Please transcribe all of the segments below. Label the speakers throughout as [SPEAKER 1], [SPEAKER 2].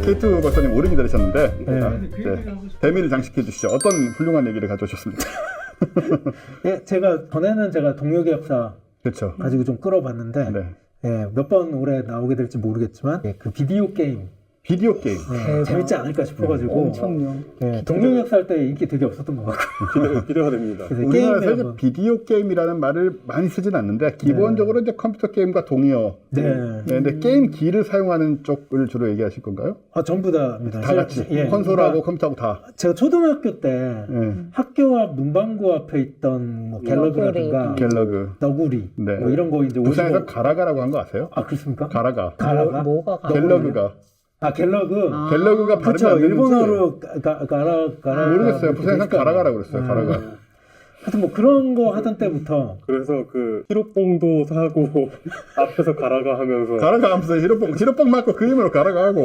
[SPEAKER 1] K2 박사님 오래 기다리셨는데
[SPEAKER 2] 네.
[SPEAKER 1] 대미를 장식해 주시죠. 어떤 훌륭한 얘기를 가져오셨습니까?
[SPEAKER 2] 예, 전에는 제가 동료계약사
[SPEAKER 1] 그렇죠.
[SPEAKER 2] 가지고 좀 끌어봤는데
[SPEAKER 1] 네.
[SPEAKER 2] 예, 몇 번 올해 나오게 될지 모르겠지만 예, 그 비디오 게임
[SPEAKER 1] 비디오 게임.
[SPEAKER 2] 재밌지 않을까 싶어가지고
[SPEAKER 3] 엄청요.
[SPEAKER 2] 예, 동료계약사 할 때 인기 되게 없었던 것 같고
[SPEAKER 4] 기대가 됩니다.
[SPEAKER 2] 그래서
[SPEAKER 1] 우리나라에서
[SPEAKER 2] 게임에
[SPEAKER 1] 이제
[SPEAKER 2] 한번
[SPEAKER 1] 비디오 게임이라는 말을 많이 쓰진 않는데 기본적으로 이제 컴퓨터 게임과 동의어.
[SPEAKER 2] 네.
[SPEAKER 1] 근데 게임기를 사용하는 쪽을 주로 얘기하실 건가요?
[SPEAKER 2] 전부 다입니다.
[SPEAKER 1] 다 같이
[SPEAKER 2] 예,
[SPEAKER 1] 콘솔하고
[SPEAKER 2] 그러니까
[SPEAKER 1] 컴퓨터하고 다.
[SPEAKER 2] 제가 초등학교 때
[SPEAKER 1] 예.
[SPEAKER 2] 학교 앞 문방구 앞에 있던 뭐 갤러그라든가
[SPEAKER 1] 갤러그.
[SPEAKER 2] 너구리
[SPEAKER 1] 네.
[SPEAKER 2] 뭐 이런 거 이제
[SPEAKER 1] 부산에서
[SPEAKER 2] 55
[SPEAKER 1] 가라가라고 한 거 아세요?
[SPEAKER 2] 아 그렇습니까?
[SPEAKER 1] 가라가.
[SPEAKER 2] 가라가?
[SPEAKER 3] 뭐가
[SPEAKER 1] 갤러그가.
[SPEAKER 2] 갤러그.
[SPEAKER 1] 갤러그가 발음이
[SPEAKER 2] 그렇죠.
[SPEAKER 1] 안 되는지
[SPEAKER 2] 일본어로 가라
[SPEAKER 1] 모르겠어요. 부산에서 가라가라고 그랬어요. 가라가.
[SPEAKER 2] 하여튼 뭐 그런 거 하던 때부터
[SPEAKER 4] 그래서 그 히로뽕도 사고 앞에서 가라가 하면서
[SPEAKER 1] 가라가 하면서 히로뽕 맞고 그 힘으로 가라가 하고.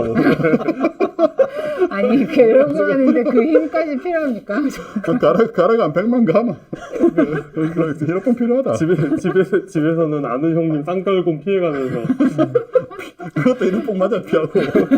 [SPEAKER 3] 아니 갤러그 하는데 그 힘까지 필요합니까?
[SPEAKER 1] 가라가 한 100만 가면 히로뽕 필요하다.
[SPEAKER 4] 집에서는 아는 형님 쌍달곰 피해가면서
[SPEAKER 1] 그것도 히로뽕 맞아 피하고.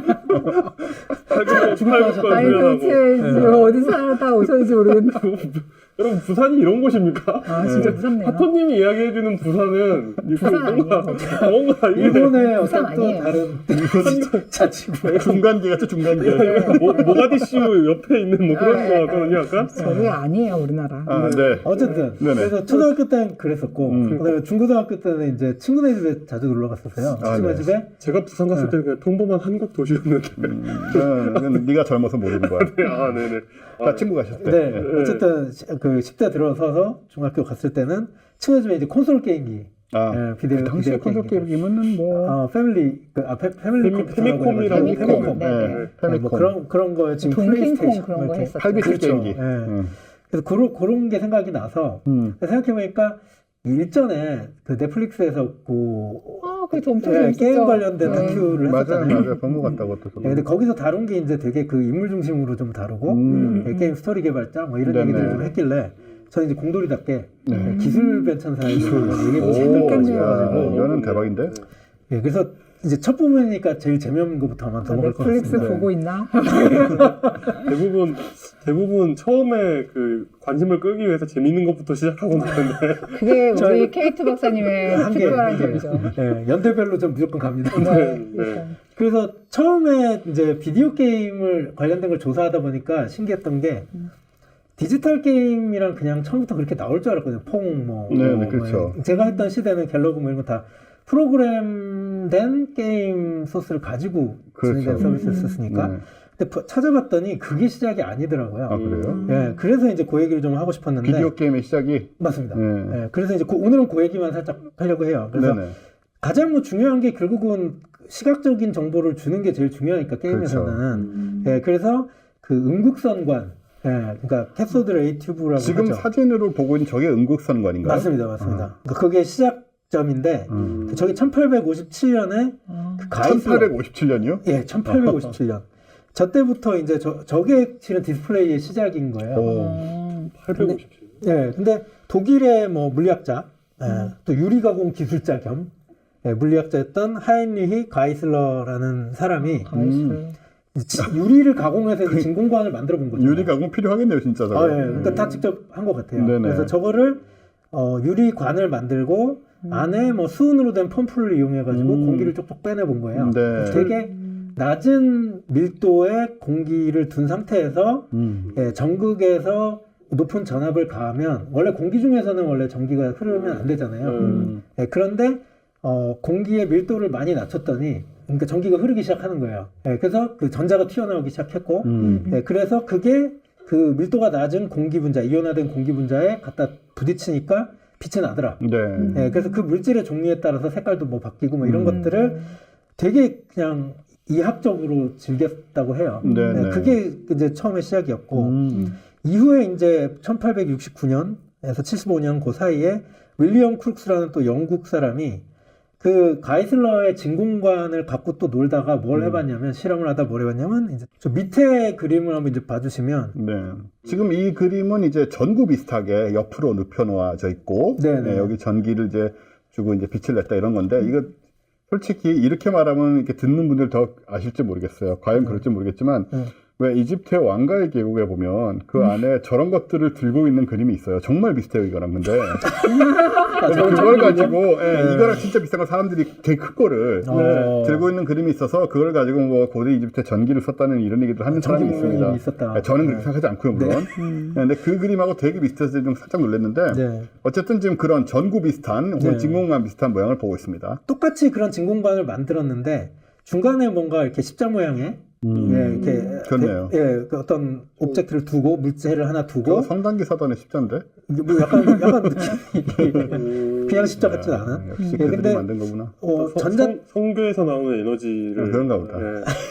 [SPEAKER 4] 팔굽과
[SPEAKER 3] 아니 도대체 지금 어디 살다 오셨는지 모르겠네.
[SPEAKER 4] 여러분 부산이 이런 곳입니까?
[SPEAKER 3] 아 진짜 무섭네요.
[SPEAKER 4] 하토님이 이야기해주는 부산은
[SPEAKER 3] 부산 아니에요.
[SPEAKER 4] 뭔가 이게
[SPEAKER 2] 일본의
[SPEAKER 3] 부산
[SPEAKER 2] 어떤 또
[SPEAKER 3] 아니에요.
[SPEAKER 2] 다른 자치구에
[SPEAKER 1] 중간계 같죠 중간계.
[SPEAKER 4] 모가디슈 옆에 있는 뭐 그런 거 같거든요 약간.
[SPEAKER 3] 저게 아니에요 우리나라.
[SPEAKER 1] 아, 네.
[SPEAKER 2] 어쨌든
[SPEAKER 1] 네네.
[SPEAKER 2] 그래서 초등학교 때는 그랬었고 그다음에 중고등학교 때는 이제 친구네 집에 자주 놀러 갔었어요.
[SPEAKER 1] 아,
[SPEAKER 2] 친구네
[SPEAKER 1] 네.
[SPEAKER 2] 집에
[SPEAKER 4] 제가 부산 갔을 때는 그냥 평범한 한국 도시였는데.
[SPEAKER 1] 이건 네가 젊어서 모르는 거야.
[SPEAKER 4] 아 네네.
[SPEAKER 1] 다 친구 가셨을 때.
[SPEAKER 2] 네, 어쨌든 그 10대 들어서서 중학교 갔을 때는 친구 집에 이제 콘솔 게임기
[SPEAKER 1] 아,
[SPEAKER 2] 비디오
[SPEAKER 1] 당시에 콘솔 게임이면은 뭐
[SPEAKER 2] 패밀리 패밀리 컴퓨터라고
[SPEAKER 4] 페미콤이라고
[SPEAKER 2] 해가지고 페미콤.
[SPEAKER 3] 네.
[SPEAKER 1] 페미콤.
[SPEAKER 2] 뭐 그런 거 지금
[SPEAKER 3] 동핑콩
[SPEAKER 2] 플레이스테이션
[SPEAKER 3] 그런 거
[SPEAKER 2] 이렇게
[SPEAKER 3] 했었죠.
[SPEAKER 1] 8비트
[SPEAKER 2] 그렇죠.
[SPEAKER 1] 게임기.
[SPEAKER 2] 예. 그래서 그런 게 생각이 나서 생각해보니까 일전에 그 넷플릭스에서
[SPEAKER 3] 그게 엄청
[SPEAKER 2] 예,
[SPEAKER 3] 재밌었죠.
[SPEAKER 2] 게임 관련된 다큐를
[SPEAKER 1] 맞아요,
[SPEAKER 2] 했었잖아요.
[SPEAKER 1] 맞아요. 본것 같다고 또.
[SPEAKER 2] 예, 근데 거기서 다룬 게 이제 되게 그 인물 중심으로 좀 다루고 예, 게임 스토리 개발자 뭐 이런
[SPEAKER 1] 네네.
[SPEAKER 2] 얘기들을 좀 했길래 저는 이제 공돌이답게
[SPEAKER 1] 네.
[SPEAKER 2] 기술 변천사에 얘기해 보고
[SPEAKER 1] 오,
[SPEAKER 2] 싶었거든요.
[SPEAKER 1] 야, 이거는 대박인데.
[SPEAKER 2] 예, 그래서 이제 첫 부분이니까 제일 재미없는 것부터 한번 더 먹을 것
[SPEAKER 3] 넷플릭스
[SPEAKER 2] 같습니다.
[SPEAKER 3] 보고 있나?
[SPEAKER 4] 대부분 처음에 그 관심을 끌기 위해서 재밌는 것부터 시작하고 나는데
[SPEAKER 3] 그게 우리 K2 박사님의
[SPEAKER 2] 한계,
[SPEAKER 3] 특별한 점이죠.
[SPEAKER 2] 예, 연대별로 좀 무조건 갑니다.
[SPEAKER 3] 그러니까.
[SPEAKER 2] 그래서 처음에 이제 비디오 게임을 관련된 걸 조사하다 보니까 신기했던 게 디지털 게임이랑 그냥 처음부터 그렇게 나올 줄 알았거든요.
[SPEAKER 1] 네, 그렇죠.
[SPEAKER 2] 제가 했던 시대는 갤러그 뭐 이런 거 다 프로그램된 게임 소스를 가지고 진행된
[SPEAKER 1] 그렇죠.
[SPEAKER 2] 서비스였으니까.
[SPEAKER 1] 네.
[SPEAKER 2] 근데 찾아봤더니 그게 시작이 아니더라고요.
[SPEAKER 1] 아, 그래요?
[SPEAKER 2] 예, 그래서 이제 그 얘기를 좀 하고 싶었는데.
[SPEAKER 1] 비디오 게임의 시작이.
[SPEAKER 2] 맞습니다.
[SPEAKER 1] 네.
[SPEAKER 2] 예, 그래서 이제 오늘은 그 얘기만 살짝 하려고 해요. 그래서
[SPEAKER 1] 네네.
[SPEAKER 2] 가장 뭐 중요한 게 결국은 시각적인 정보를 주는 게 제일 중요하니까 게임에서는. 예, 그래서 그 음극선관, 그러니까 캐소드 레이 튜브라고
[SPEAKER 1] 지금
[SPEAKER 2] 하죠.
[SPEAKER 1] 사진으로 보고 있는 저게 음극선관인가요?
[SPEAKER 2] 맞습니다. 그러니까 그게 시작점인데 저게 1857년에 그 가이슬러.
[SPEAKER 1] 1857년이요?
[SPEAKER 2] 예, 1857년. 저 때부터 이제 저게 실은 디스플레이의 시작인 거예요.
[SPEAKER 4] 857.
[SPEAKER 2] 예, 근데 독일의 뭐 물리학자, 또 유리가공 기술자 겸 물리학자였던 하인리히 가이슬러라는 사람이 유리를 가공해서 이제 진공관을 만들어 본 거죠.
[SPEAKER 1] 유리 가공 필요하겠네요, 진짜. 저거.
[SPEAKER 2] 예, 그러니까 다 직접 한 것 같아요.
[SPEAKER 1] 네네.
[SPEAKER 2] 그래서 저거를 유리관을 만들고 안에 뭐 수은으로 된 펌프를 이용해가지고 공기를 쪽쪽 빼내 본 거예요.
[SPEAKER 1] 네.
[SPEAKER 2] 되게 낮은 밀도의 공기를 둔 상태에서 전극에서 높은 전압을 가하면 원래 공기 중에서는 원래 전기가 흐르면 안 되잖아요. 그런데 공기의 밀도를 많이 낮췄더니 그러니까 전기가 흐르기 시작하는 거예요. 그래서 그 전자가 튀어나오기 시작했고 그래서 그게 그 밀도가 낮은 공기 분자, 이온화된 공기 분자에 갖다 부딪히니까 빛이 나더라.
[SPEAKER 1] 네.
[SPEAKER 2] 그래서 그 물질의 종류에 따라서 색깔도 뭐 바뀌고 뭐 이런 것들을 되게 그냥 이학적으로 즐겼다고 해요.
[SPEAKER 1] 네네.
[SPEAKER 2] 그게 이제 처음에 시작이었고 이후에 이제 1869년에서 75년 그 사이에 윌리엄 크룩스라는 또 영국 사람이 그 가이슬러의 진공관을 갖고 또 놀다가 뭘 해봤냐면 실험을 하다 뭘 해봤냐면 이제 저 밑에 그림을 한번 이제 봐주시면
[SPEAKER 1] 네. 지금 이 그림은 이제 전구 비슷하게 옆으로 눕혀 놓아져 있고,
[SPEAKER 2] 네네.
[SPEAKER 1] 여기 전기를 이제 주고 이제 빛을 냈다 이런 건데, 이거 솔직히 이렇게 말하면 이렇게 듣는 분들 더 아실지 모르겠어요. 과연 그럴지 모르겠지만 왜 이집트의 왕가의 계곡에 보면 그 안에 저런 것들을 들고 있는 그림이 있어요. 정말 비슷해요 이거랑. 근데 그래서 그걸 가지고 이거랑 진짜 비슷한 거 사람들이 되게 큰 거를 들고 있는 그림이 있어서 그걸 가지고 뭐 고대 이집트 전기를 썼다는 이런 얘기를 하는 사람이 있습니다.
[SPEAKER 2] 있었다.
[SPEAKER 1] 저는 그렇게 생각하지 않고요 물론. 근데 그 그림하고 되게 비슷해서 좀 살짝 놀랐는데 어쨌든 지금 그런 전구 비슷한 혹은 진공관 비슷한 모양을 보고 있습니다.
[SPEAKER 2] 똑같이 그런 진공관을 만들었는데 중간에 뭔가 이렇게 십자 모양의 이렇게
[SPEAKER 1] 좋네요.
[SPEAKER 2] 그 어떤 옵젝트를 두고 물체를 하나 두고
[SPEAKER 1] 그거 성단기 사단의 십자인데?
[SPEAKER 2] 이게 뭐 약간 느낌이 그냥 십자 같지 않아?
[SPEAKER 1] 역시 그들이 만든 거구나.
[SPEAKER 4] 성교에서 나오는 에너지를
[SPEAKER 1] 그런가 보다.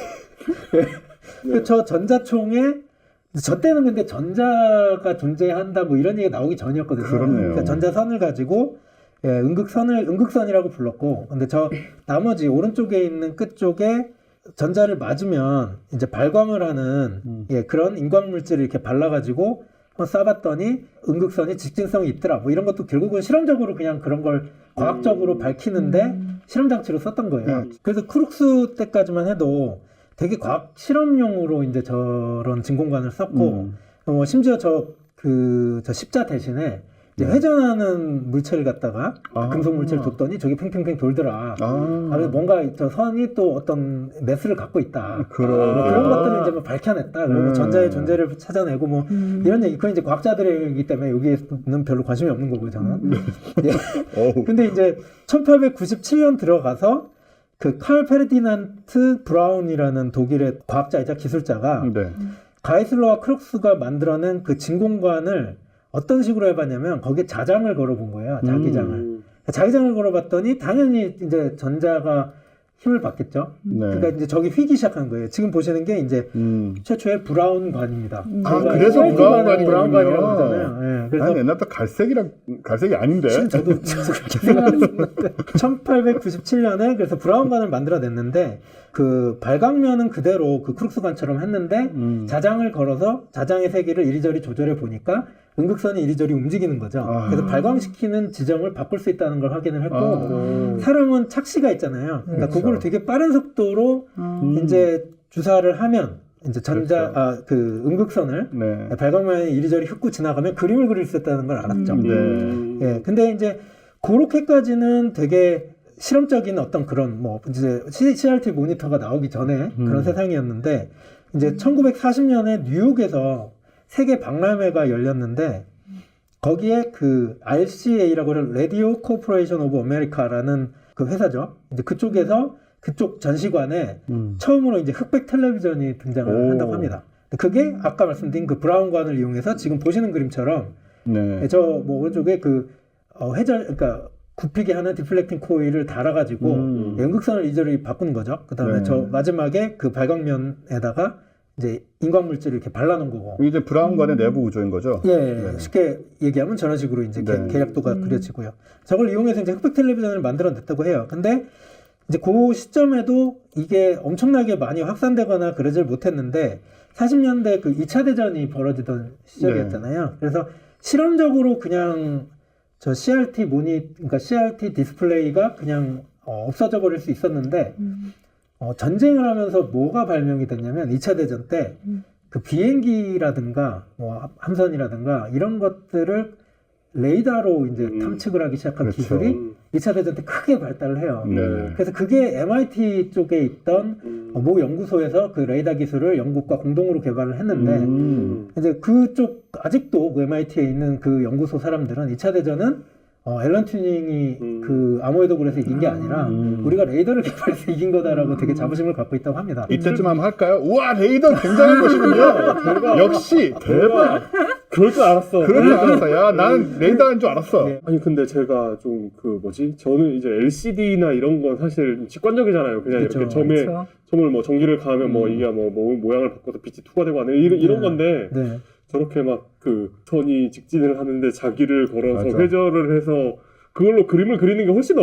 [SPEAKER 2] 저 전자총에 저 때는 근데 전자가 존재한다 뭐 이런 얘기가 나오기 전이었거든요.
[SPEAKER 1] 그렇네요.
[SPEAKER 2] 그러니까 전자선을 가지고 음극선이라고 불렀고, 근데 저 나머지 오른쪽에 있는 끝 쪽에 전자를 맞으면 이제 발광을 하는 그런 인광 물질을 이렇게 발라가지고 한번 쏴봤더니 음극선이 직진성이 있더라. 뭐 이런 것도 결국은 실험적으로 그냥 그런 걸 과학적으로 밝히는데 실험 장치로 썼던 거예요. 그래서 크룩스 때까지만 해도 되게 과학 실험용으로 이제 저런 진공관을 썼고, 심지어 저 십자 대신에 이제 회전하는 물체를 갖다가 금속 물체를 뒀더니 저기 팽팽팽 돌더라. 그래서 뭔가 저 선이 또 어떤 매스를 갖고 있다. 그런 것들을 이제 뭐 밝혀냈다. 그리고 전자의 존재를 찾아내고 뭐 이런 얘기. 그건 이제 과학자들이기 때문에 여기에는 별로 관심이 없는 거고요, 저는. 근데 이제 1897년 들어가서 그 칼 페르디난트 브라운이라는 독일의 과학자이자 기술자가 가이슬러와 크룩스가 만들어낸 그 진공관을 어떤 식으로 해봤냐면 거기에 자장을 걸어본 거예요. 자기장을. 자기장을 걸어봤더니 당연히 이제 전자가 힘을 받겠죠. 그러니까 이제 저기 휘기 시작한 거예요. 지금 보시는 게 이제 최초의 브라운관입니다.
[SPEAKER 1] 그래서
[SPEAKER 2] 브라운관이라고 하잖아요.
[SPEAKER 1] 그래서 난 옛날부터 갈색이 아닌데.
[SPEAKER 2] 저도 그렇게 생각했는데 1897년에 그래서 브라운관을 만들어냈는데 그 발광면은 그대로 그 크룩스관처럼 했는데 자장을 걸어서 자장의 세기를 이리저리 조절해 보니까 음극선이 이리저리 움직이는 거죠. 그래서 발광시키는 지점을 바꿀 수 있다는 걸 확인을 했고 사람은 착시가 있잖아요. 그러니까 그걸 되게 빠른 속도로 이제 주사를 하면 이제 그 음극선을 발광면이 이리저리 훑고 지나가면 그림을 그릴 수 있다는 걸 알았죠. 근데 이제 그렇게까지는 되게 실험적인 어떤 그런 뭐 이제 CRT 모니터가 나오기 전에 그런 세상이었는데 이제 1940년에 뉴욕에서 세계 박람회가 열렸는데 거기에 그 RCA라고 하는 Radio Corporation of America라는 그 회사죠. 이제 그쪽에서 그쪽 전시관에 처음으로 이제 흑백 텔레비전이 등장을 한다고 합니다. 그게 아까 말씀드린 그 브라운관을 이용해서 지금 보시는 그림처럼 저 뭐 오른쪽에 그 그러니까 굽히게 하는 디플렉팅 코일을 달아가지고 연극선을 이리저리 바꾸는 거죠. 그 다음에 저 마지막에 그 발광면에다가 이제 인광 물질을 이렇게 발라놓은 거고.
[SPEAKER 1] 이제 브라운관의 내부 구조인 거죠.
[SPEAKER 2] 쉽게 얘기하면 저런 식으로 이제 계략도가 그려지고요. 저걸 이용해서 이제 흑백 텔레비전을 만들어냈다고 해요. 근데 이제 그 시점에도 이게 엄청나게 많이 확산되거나 그러질 못했는데 40년대 그 2차 대전이 벌어지던 시절이었잖아요. 그래서 실험적으로 그냥 저 CRT 그러니까 CRT 디스플레이가 그냥 없어져 버릴 수 있었는데 전쟁을 하면서 뭐가 발명이 됐냐면 2차 대전 때 그 비행기라든가 뭐 함선이라든가 이런 것들을 레이더로 이제 탐측을 하기 시작한 기술이 2차 대전 때 크게 발달을 해요. 그래서 그게 MIT 쪽에 있던 모 연구소에서 그 레이더 기술을 영국과 공동으로 개발을 했는데 이제 그쪽 아직도 그 MIT에 있는 그 연구소 사람들은 2차 대전은 앨런 튜닝이 그 아모에도 그래서 이긴 게 아니라 우리가 레이더를 개발해서 이긴 거다라고 되게 자부심을 갖고 있다고 합니다.
[SPEAKER 1] 이때쯤 한번 할까요? 우와 레이더 굉장한 것이군요. 역시 대박.
[SPEAKER 4] 그럴 줄 알았어.
[SPEAKER 1] 그럴 줄 알았어. 야, 나는 레이더인 줄 알았어.
[SPEAKER 4] 아니 근데 제가 좀 저는 이제 LCD나 이런 건 사실 직관적이잖아요. 그냥 이렇게 점을 뭐 전기를 가하면 뭐 이게 뭐 모양을 바꿔서 빛이 투과되고 하는 이런 건데 저렇게 막 그 선이 직진을 하는데 자기를 걸어서 회전을 해서 그걸로 그림을 그리는 게 훨씬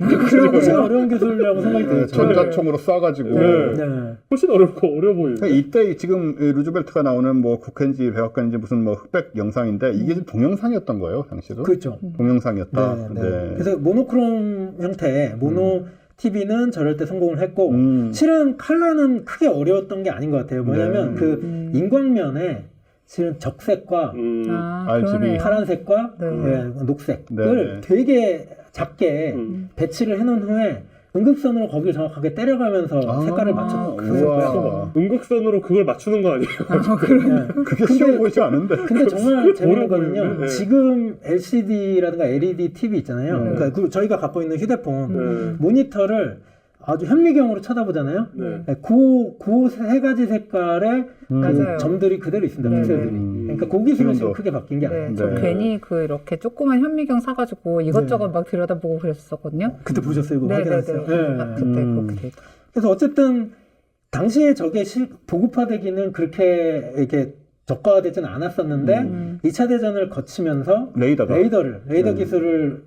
[SPEAKER 2] 훨씬 어려운 기술이라고 생각이 들어요.
[SPEAKER 1] 전자총으로 쏴가지고
[SPEAKER 4] 훨씬 어려 보여요.
[SPEAKER 1] 이때 지금 루즈벨트가 나오는 뭐 국회인지 백악관인지 무슨 뭐 흑백 영상인데 이게 좀 동영상이었던 거예요, 당시도.
[SPEAKER 2] 그렇죠.
[SPEAKER 1] 동영상이었다.
[SPEAKER 2] 그래서 모노크롬 형태의 모노 TV는 저럴 때 성공을 했고 실은 칼라는 크게 어려웠던 게 아닌 것 같아요. 뭐냐면 그 인광면에 실은 적색과
[SPEAKER 1] RGB.
[SPEAKER 2] 파란색과 녹색을 되게 작게 배치를 해놓은 후에 응급선으로 거기를 정확하게 때려가면서 색깔을 맞췄어요.
[SPEAKER 4] 응급선으로 그걸 맞추는 거 아니에요?
[SPEAKER 1] 그게 쉬워 보이지 않은데.
[SPEAKER 2] 근데 정말 재밌는 거는요.
[SPEAKER 4] 보이네.
[SPEAKER 2] 지금 LCD라든가 LED TV 있잖아요. 그러니까 저희가 갖고 있는 휴대폰 모니터를 아주 현미경으로 쳐다보잖아요. 그 세 가지 색깔의 그 점들이 그대로 있습니다. 픽셀들이. 그러니까 그 기술은 지금 크게 바뀐 게 아니에요.
[SPEAKER 3] 저 괜히 그 이렇게 조그만 현미경 사가지고 이것저것 막 들여다보고 그랬었거든요.
[SPEAKER 2] 그때 보셨어요? 이거 확인하셨어요?
[SPEAKER 3] 그때 그렇게 돼 있다.
[SPEAKER 2] 그래서 어쨌든 당시에 저게 보급화되기는 그렇게 이렇게 저가화되지는 않았었는데 2차 대전을 거치면서 레이더 기술을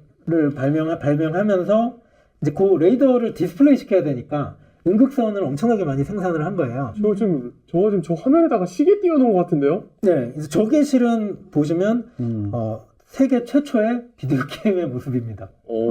[SPEAKER 2] 발명하면서 이제 그 레이더를 디스플레이 시켜야 되니까 응급선을 엄청나게 많이 생산을 한 거예요.
[SPEAKER 4] 저거 지금 저 화면에다가 시계 띄워놓은 것 같은데요?
[SPEAKER 2] 네, 그래서 저게 실은 보시면 세계 최초의 비디오 게임의 모습입니다.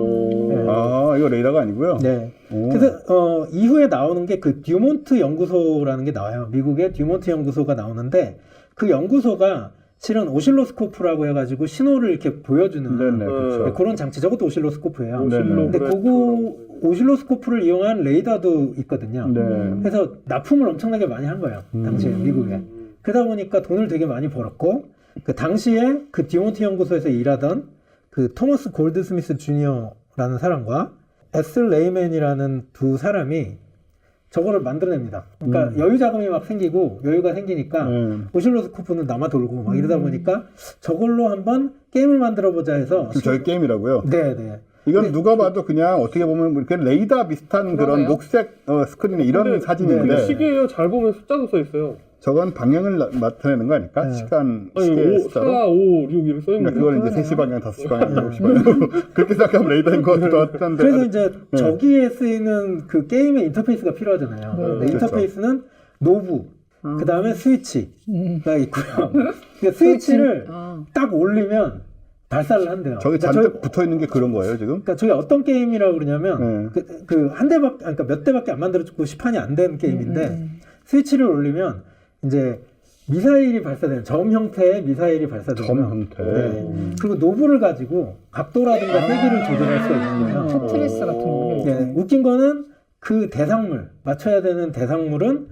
[SPEAKER 1] 이거 레이더가 아니고요.
[SPEAKER 2] 네. 그래서 이후에 나오는 게 그 듀몬트 연구소라는 게 나와요. 미국의 듀몬트 연구소가 나오는데 그 연구소가 실은 오실로스코프라고 해가지고 신호를 이렇게 보여주는
[SPEAKER 1] 그렇죠.
[SPEAKER 2] 그런 장치. 저것도 오실로스코프예요.
[SPEAKER 1] 네네.
[SPEAKER 2] 근데 그거 오실로스코프를 이용한 레이더도 있거든요. 그래서 납품을 엄청나게 많이 한 거예요. 당시에 미국에. 그러다 보니까 돈을 되게 많이 벌었고 그 당시에 그 듀몬트 연구소에서 일하던 그 토머스 골드스미스 주니어라는 사람과 에슬 레이맨이라는 두 사람이 저거를 만들어냅니다. 그러니까 여유 자금이 막 생기고 여유가 생기니까 오실로스코프는 남아 돌고 막 이러다 보니까 저걸로 한번 게임을 만들어 보자 해서
[SPEAKER 1] 저희 게임이라고요?
[SPEAKER 2] 네.
[SPEAKER 1] 이건 누가 봐도 그냥 어떻게 보면 이렇게 레이더 비슷한 그런 녹색 스크린에 이런 사진인데
[SPEAKER 4] 시계예요. 잘 보면 숫자도 써 있어요.
[SPEAKER 1] 저건 방향을 나타내는 거 아닐까? 시간,
[SPEAKER 4] 아니,
[SPEAKER 1] 시계
[SPEAKER 4] 4, 5, 6 이렇게 써 있는
[SPEAKER 1] 그걸 이제 3시 방향, 5시 방향, 7시 방향 그렇게 생각하면 레이더인 것 같기도 한데
[SPEAKER 2] 그래서 이제 저기에 쓰이는 그 게임의 인터페이스가 필요하잖아요. 인터페이스는 노브, 그 다음에 스위치가 있고요. 그러니까 스위치를 딱 올리면 발사를 한대요.
[SPEAKER 1] 저기 잔뜩 붙어 있는 게 그런 거예요, 지금?
[SPEAKER 2] 그러니까 저게 어떤 게임이라고 그러냐면 그 한 대밖에, 그러니까 몇 대밖에 안 만들어졌고 시판이 안 된 게임인데 스위치를 올리면 이제 미사일이 발사되는 점 형태의 미사일이 발사되고요.
[SPEAKER 1] 점 형태.
[SPEAKER 2] 그리고 노브를 가지고 각도라든가 세기를 조절할 수가 있는 거예요.
[SPEAKER 3] 테트리스 같은 거.
[SPEAKER 2] 네, 웃긴 거는 그 대상물 맞춰야 되는 대상물은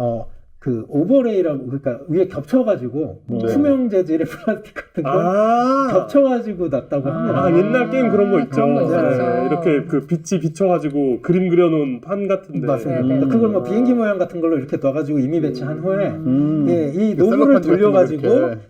[SPEAKER 2] 그 오버레이라고 그러니까 위에 겹쳐가지고 투명 재질의 플라스틱 같은 거 겹쳐가지고 놨다고 합니다.
[SPEAKER 4] 옛날 게임 그런 거 있죠.
[SPEAKER 3] 그런 거 있었죠.
[SPEAKER 4] 이렇게 그 빛이 비춰가지고 그림 그려놓은 판 같은데.
[SPEAKER 2] 맞습니다. 그러니까 그걸 뭐 비행기 모양 같은 걸로 이렇게 놔가지고 이미 배치한 후에 이 노브를 돌려가지고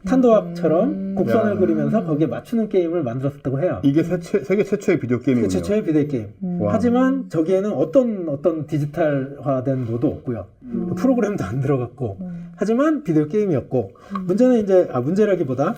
[SPEAKER 2] 탄도학처럼 곡선을 그리면서 거기에 맞추는 게임을 만들었다고 해요.
[SPEAKER 1] 이게 세계 최초의 비디오 게임이군요.
[SPEAKER 2] 최초의 비디오 게임. 하지만 저기에는 어떤 디지털화된 노도 없고요. 프로그램도 안 들어갔고. 하지만 비디오 게임이었고. 문제는 이제 문제라기보다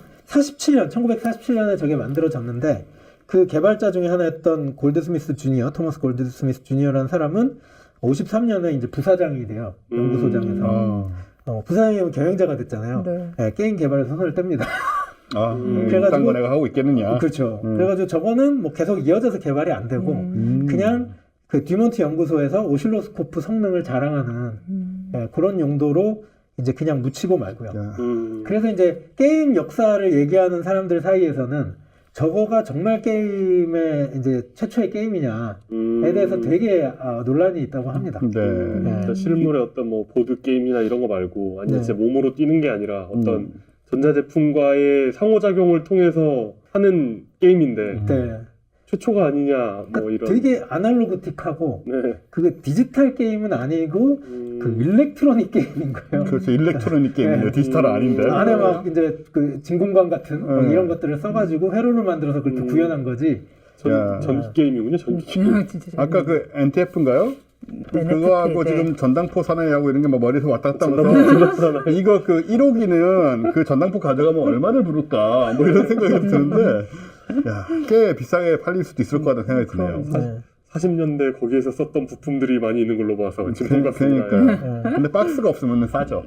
[SPEAKER 2] 1947년에 저게 만들어졌는데 그 개발자 중에 하나였던 골드스미스 주니어, 토머스 골드스미스 주니어라는 사람은 53년에 이제 부사장이 돼요. 연구소장에서. 부사장이 되면 경영자가 됐잖아요. 게임 개발에서 손을 뗍니다.
[SPEAKER 1] 그래가지고 거 내가 하고 있겠느냐.
[SPEAKER 2] 그렇죠. 그래가지고 저거는 뭐 계속 이어져서 개발이 안 되고 그냥 그 듀몬트 연구소에서 오실로스코프 성능을 자랑하는 그런 용도로 이제 그냥 묻히고 말고요. 그래서 이제 게임 역사를 얘기하는 사람들 사이에서는 저거가 정말 게임의 이제 최초의 게임이냐에 대해서 되게 논란이 있다고 합니다.
[SPEAKER 4] 그러니까 실물의 어떤 뭐 보드 게임이나 이런 거 말고 아니 진짜 몸으로 뛰는 게 아니라 어떤 전자제품과의 상호작용을 통해서 하는 게임인데 최초가 아니냐 뭐 이런.
[SPEAKER 2] 되게 아날로그틱하고 그게 디지털 게임은 아니고 그 일렉트로닉 게임인 거예요.
[SPEAKER 1] 그렇죠. 일렉트로닉 게임이에요. 디지털은 아닌데.
[SPEAKER 2] 안에 막 이제 그 진공관 같은 막 이런 것들을 써가지고 회로를 만들어서 그렇게 구현한 거지.
[SPEAKER 4] 전기 게임이군요. 전기 게임.
[SPEAKER 1] 아까 그 NTF인가요? 그거하고 지금 전당포 사나이하고 이런 게 막 머리에서 왔다 갔다 하면서 이거 그 1호기는 그 전당포 가져가면 얼마를 부를까 뭐 이런 생각이 드는데 꽤 비싸게 팔릴 수도 있을 것 같다는 생각이 드네요.
[SPEAKER 4] 40년대 거기에서 썼던 부품들이 많이 있는 걸로 봐서 지금 같습니다.
[SPEAKER 1] 근데 박스가 없으면 싸죠.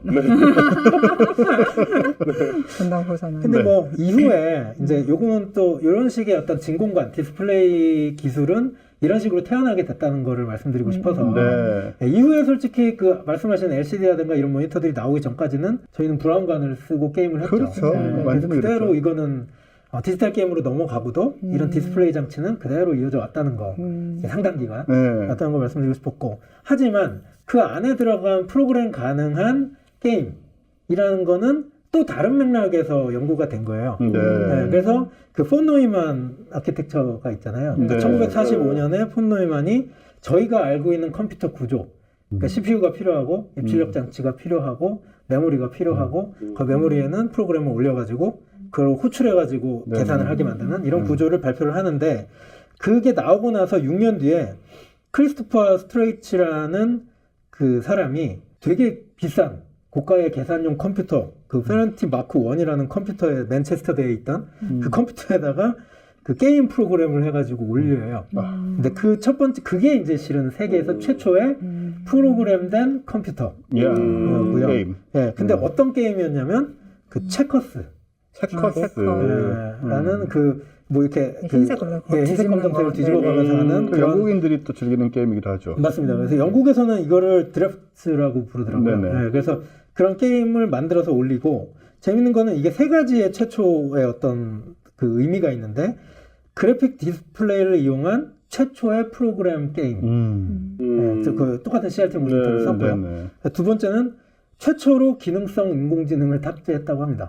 [SPEAKER 2] 근데 뭐 이후에 이제 요거는 또 이런 식의 어떤 진공관 디스플레이 기술은 이런 식으로 태어나게 됐다는 거를 말씀드리고 싶어서
[SPEAKER 1] 네.
[SPEAKER 2] 이후에 솔직히 그 말씀하신 LCD라든가 이런 모니터들이 나오기 전까지는 저희는 브라운관을 쓰고 게임을 했죠.
[SPEAKER 1] 그렇죠.
[SPEAKER 2] 그래서
[SPEAKER 1] 완전히
[SPEAKER 2] 그대로
[SPEAKER 1] 그렇죠.
[SPEAKER 2] 이거는 디지털 게임으로 넘어가고도 이런 디스플레이 장치는 그대로 이어져 왔다는 거 상당 기간
[SPEAKER 1] 네.
[SPEAKER 2] 왔다는 걸 말씀드리고 싶었고, 하지만 그 안에 들어간 프로그램 가능한 게임이라는 거는 또 다른 맥락에서 연구가 된 거예요.
[SPEAKER 1] 네.
[SPEAKER 2] 그래서 그 폰 노이만 아키텍처가 있잖아요.
[SPEAKER 1] 네.
[SPEAKER 2] 1945년에 폰 노이만이 저희가 알고 있는 컴퓨터 구조, 그러니까 CPU가 필요하고 입출력 장치가 필요하고 메모리가 필요하고 그 메모리에는 프로그램을 올려가지고 그걸 호출해가지고
[SPEAKER 1] 네.
[SPEAKER 2] 계산을 하게 만드는 이런 구조를 발표를 하는데, 그게 나오고 나서 6년 뒤에 크리스토퍼 스트레이치라는 그 사람이 되게 비싼 고가의 계산용 컴퓨터, 그 페런티 마크 1이라는 컴퓨터에 맨체스터대에 있던 그 컴퓨터에다가 그 게임 프로그램을 해가지고 올려요. 근데 그 첫 번째, 그게 이제 실은 세계에서 최초의 프로그램된 컴퓨터고요.
[SPEAKER 1] 게임.
[SPEAKER 2] 예, 근데 어떤 게임이었냐면 그 체커스.
[SPEAKER 1] 체커스.
[SPEAKER 2] 라는 그 뭐 이렇게
[SPEAKER 3] 흰색
[SPEAKER 2] 흰색 검정색을 뒤집어가면서 하는
[SPEAKER 1] 그 영국인들이 또 즐기는 게임이기도 하죠.
[SPEAKER 2] 맞습니다. 그래서 영국에서는 이거를 드래프트라고 부르더라고요.
[SPEAKER 1] 네네.
[SPEAKER 2] 네, 그래서 그런 게임을 만들어서 올리고, 재밌는 거는 이게 세 가지의 최초의 어떤 그 의미가 있는데, 그래픽 디스플레이를 이용한 최초의 프로그램 게임. 그래서 그 똑같은 CRT 모니터를 썼고요.
[SPEAKER 1] 네네.
[SPEAKER 2] 두 번째는 최초로 기능성 인공지능을 탑재했다고 합니다.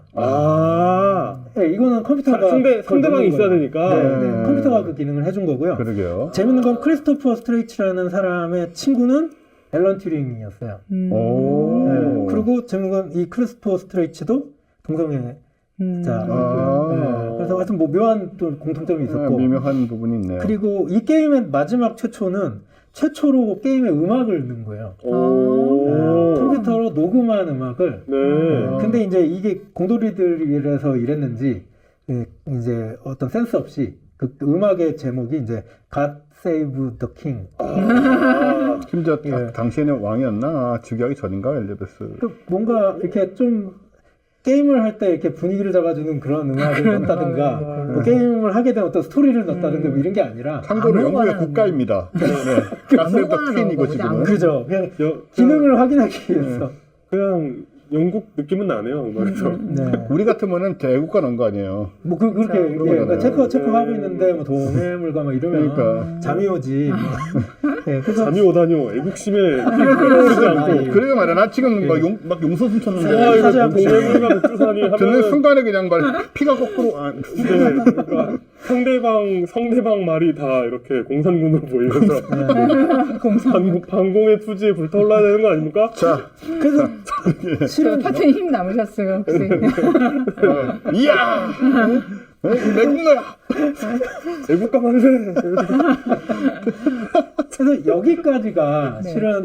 [SPEAKER 2] 네, 이거는 컴퓨터가
[SPEAKER 4] 상대방이 있어야 되니까.
[SPEAKER 2] 네, 컴퓨터가 그 기능을 해준 거고요.
[SPEAKER 1] 그러게요.
[SPEAKER 2] 재밌는 건 크리스토퍼 스트레이치라는 사람의 친구는 앨런 튜링이었어요.
[SPEAKER 1] 오.
[SPEAKER 2] 네, 그리고 재밌는 건 이 크리스토퍼 스트레이치도 동성애 자였고요. 네, 그래서 하여튼 뭐 묘한 또 공통점이 있었고,
[SPEAKER 1] 미묘한 부분이 있네요.
[SPEAKER 2] 그리고 이 게임의 마지막 최초로 게임에 음악을 넣은 거예요. 컴퓨터로 녹음한 음악을. 근데 이제 이게 공돌이들이라서 이랬는지 이제 어떤 센스 없이 그 음악의 제목이 이제 God Save the King.
[SPEAKER 1] 심지어 당시에는 왕이었나? 즉위하기 전인가 엘리베스.
[SPEAKER 2] 그 뭔가 이렇게 좀 게임을 할 때 이렇게 분위기를 잡아주는 그런 음악을 넣었다든가, 뭐 게임을 하게 된 어떤 스토리를 넣었다든가 뭐 이런 게 아니라.
[SPEAKER 1] 참고로 영국의 국가입니다. 가스더 퀸이고 지금은.
[SPEAKER 2] 그죠. 그냥 기능을 확인하기 위해서.
[SPEAKER 4] 그냥 영국 느낌은 나네요, 음악에서.
[SPEAKER 2] 네.
[SPEAKER 1] 우리 같으면은 애국가 넣은 거 아니에요.
[SPEAKER 2] 뭐 그렇게 그러니까 체크 하고 있는데 뭐 동해물과 막 이러면
[SPEAKER 1] 그러니까.
[SPEAKER 2] 잠이 오지. 네, 그래서
[SPEAKER 4] 잠이 오다뇨. 애국심에 그러지 않고.
[SPEAKER 1] 그러게 말이야. 나 지금 막 용서숨 쳤는데.
[SPEAKER 4] 와, 이거
[SPEAKER 2] 사죄하고
[SPEAKER 4] 동해물과 국주산이
[SPEAKER 1] 듣는
[SPEAKER 4] 하면
[SPEAKER 1] 순간에 그냥 피가 거꾸로.
[SPEAKER 4] 그러니까 상대방 말이 다 이렇게 공산군으로 보이면서 반공의 투지에 불타올라야 되는 거 아닙니까?
[SPEAKER 1] 자,
[SPEAKER 2] 그래서 실은
[SPEAKER 3] 하여튼 힘 남으셨어요, 혹시.
[SPEAKER 1] 이야! 내국노야!
[SPEAKER 4] 애국가 만세!
[SPEAKER 2] 그래서 여기까지가
[SPEAKER 3] 네.
[SPEAKER 2] 실은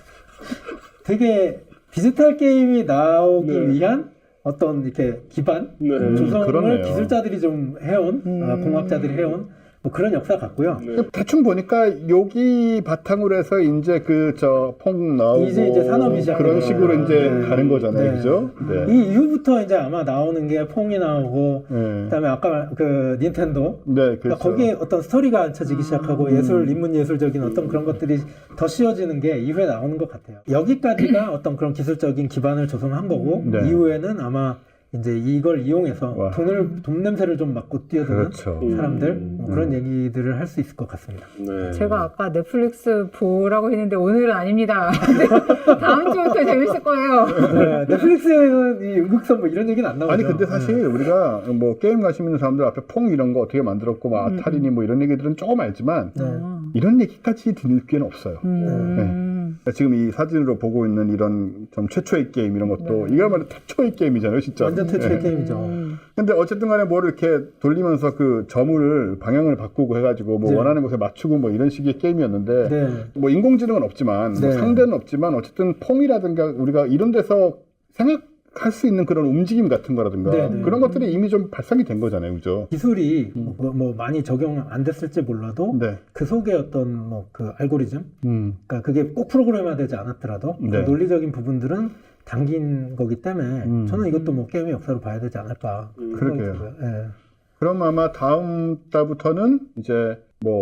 [SPEAKER 2] 되게 디지털 게임이 나오기
[SPEAKER 4] 네.
[SPEAKER 2] 위한 어떤 이렇게 기반 조성을
[SPEAKER 1] 그러네요.
[SPEAKER 2] 기술자들이 좀 해온 공학자들이 해온 뭐 그런 역사 같고요.
[SPEAKER 1] 대충 보니까 여기 바탕으로 해서 이제 퐁 나오고
[SPEAKER 2] 이제 산업이 시작돼요.
[SPEAKER 1] 그런 식으로 이제
[SPEAKER 2] 네.
[SPEAKER 1] 가는 거잖아요,
[SPEAKER 2] 네.
[SPEAKER 1] 그죠? 네.
[SPEAKER 2] 이 이후부터 이제 아마 나오는 게 퐁이 나오고,
[SPEAKER 1] 네.
[SPEAKER 2] 그다음에 아까 그 닌텐도,
[SPEAKER 1] 네,
[SPEAKER 2] 그러니까
[SPEAKER 1] 그렇죠.
[SPEAKER 2] 거기에 어떤 스토리가 앉혀지기 시작하고 인문 예술적인 어떤 그런 것들이 더 씌워지는 게 이후에 나오는 것 같아요. 여기까지가 어떤 그런 기술적인 기반을 조성한 거고,
[SPEAKER 1] 네.
[SPEAKER 2] 이후에는 아마 이제 이걸 이용해서
[SPEAKER 1] 와.
[SPEAKER 2] 돈 냄새를 좀 맡고 뛰어드는
[SPEAKER 1] 그렇죠.
[SPEAKER 2] 사람들, 뭐 그런 얘기들을 할 수 있을 것 같습니다.
[SPEAKER 4] 네.
[SPEAKER 3] 제가 아까 넷플릭스 보라고 했는데 오늘은 아닙니다. 다음 주부터 재밌을 거예요.
[SPEAKER 2] 네, 넷플릭스에는 이 연극선 뭐 이런 얘기는 안 나오죠.
[SPEAKER 1] 아니 근데 사실 우리가 뭐 게임 관심 있는 사람들 앞에 퐁 이런 거 어떻게 만들었고 막 아타리니 뭐 이런 얘기들은 조금 알지만 이런 얘기까지 들을 기회는 없어요. 그러니까 지금 이 사진으로 보고 있는 이런 좀 최초의 게임 이런 것도 이거야말로 최초의 게임이잖아요, 진짜.
[SPEAKER 2] 완전 최초의 게임이죠.
[SPEAKER 1] 근데 어쨌든 간에 뭐를 이렇게 돌리면서 그 점을 방향을 바꾸고 해가지고 뭐
[SPEAKER 2] 네.
[SPEAKER 1] 원하는 곳에 맞추고 뭐 이런 식의 게임이었는데
[SPEAKER 2] 네.
[SPEAKER 1] 뭐 인공지능은 없지만 뭐
[SPEAKER 2] 네.
[SPEAKER 1] 상대는 없지만 어쨌든 퐁이라든가 우리가 이런 데서 생각할 수 있는 그런 움직임 같은 거라든가
[SPEAKER 2] 네, 네.
[SPEAKER 1] 그런 것들이 이미 좀 발상이 된 거잖아요, 그죠?
[SPEAKER 2] 기술이 뭐 많이 적용 안 됐을지 몰라도
[SPEAKER 1] 네.
[SPEAKER 2] 그 속에 어떤 뭐 그 알고리즘,
[SPEAKER 1] 음.
[SPEAKER 2] 그러니까 그게 꼭 프로그램화되지 않았더라도 그
[SPEAKER 1] 네.
[SPEAKER 2] 논리적인 부분들은 담긴 거기 때문에 저는 이것도 뭐 게임의 역사로 봐야 되지 않을까.
[SPEAKER 1] 그러게요.
[SPEAKER 2] 예.
[SPEAKER 1] 그럼 아마 다음 달부터는 이제 뭐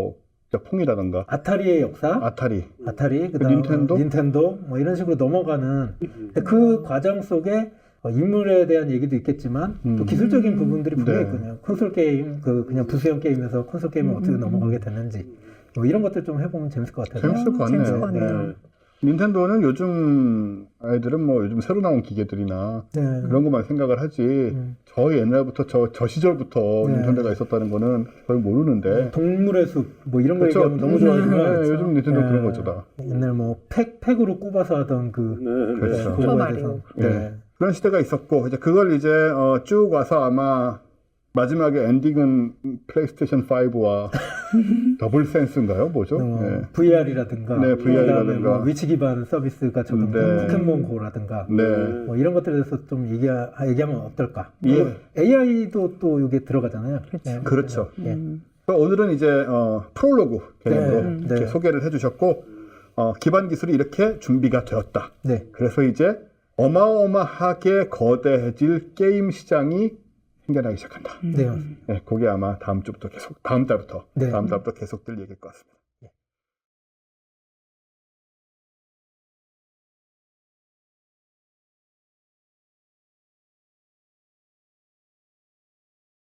[SPEAKER 1] 폰이라던가
[SPEAKER 2] 아타리의 역사,
[SPEAKER 1] 아타리,
[SPEAKER 2] 그다음
[SPEAKER 1] 닌텐도
[SPEAKER 2] 뭐 이런 식으로 넘어가는 그 과정 속에 인물에 대한 얘기도 있겠지만 또 기술적인 부분들이 분명히 있거든요. 콘솔 게임, 그냥 부수형 게임에서 콘솔 게임을 어떻게 넘어가게 됐는지 뭐 이런 것들 좀 해보면 재밌을 것 같아요.
[SPEAKER 1] 재밌을 것
[SPEAKER 3] 재밌을 것
[SPEAKER 1] 같네요.
[SPEAKER 3] 같네요.
[SPEAKER 1] 닌텐도는 요즘 아이들은 뭐 요즘 새로 나온 기계들이나 그런 것만 생각을 하지 저 옛날부터 저 시절부터 닌텐도가 있었다는 거는 거의 모르는데
[SPEAKER 2] 동물의 숲 뭐 이런 거
[SPEAKER 1] 그렇죠.
[SPEAKER 2] 얘기하면 너무 좋아하지만
[SPEAKER 1] 요즘 닌텐도 그런 거죠 다.
[SPEAKER 2] 옛날 뭐 팩으로 꼽아서 하던
[SPEAKER 1] 그렇죠.
[SPEAKER 2] 그거에
[SPEAKER 3] 마리오.
[SPEAKER 2] 대해서
[SPEAKER 1] 그런 시대가 있었고 이제 그걸 이제 쭉 와서 아마 마지막에 엔딩은 플레이스테이션 5와 더블 센스인가요? 뭐죠?
[SPEAKER 2] VR이라든가,
[SPEAKER 1] 네, VR이라든가.
[SPEAKER 2] 뭐 위치 기반 서비스가 좀 포켓몬고라든가, 뭐 이런 것들에 대해서 좀 얘기하면 어떨까? AI도 또 이게 들어가잖아요.
[SPEAKER 1] 그렇죠. 오늘은 이제 프롤로그 개념으로 이렇게 소개를 해주셨고 기반 기술이 이렇게 준비가 되었다. 그래서 이제 어마어마하게 거대해질 게임 시장이 생겨나기 시작한다. 그게 아마 다음 달부터 계속될 얘기일 것 같습니다.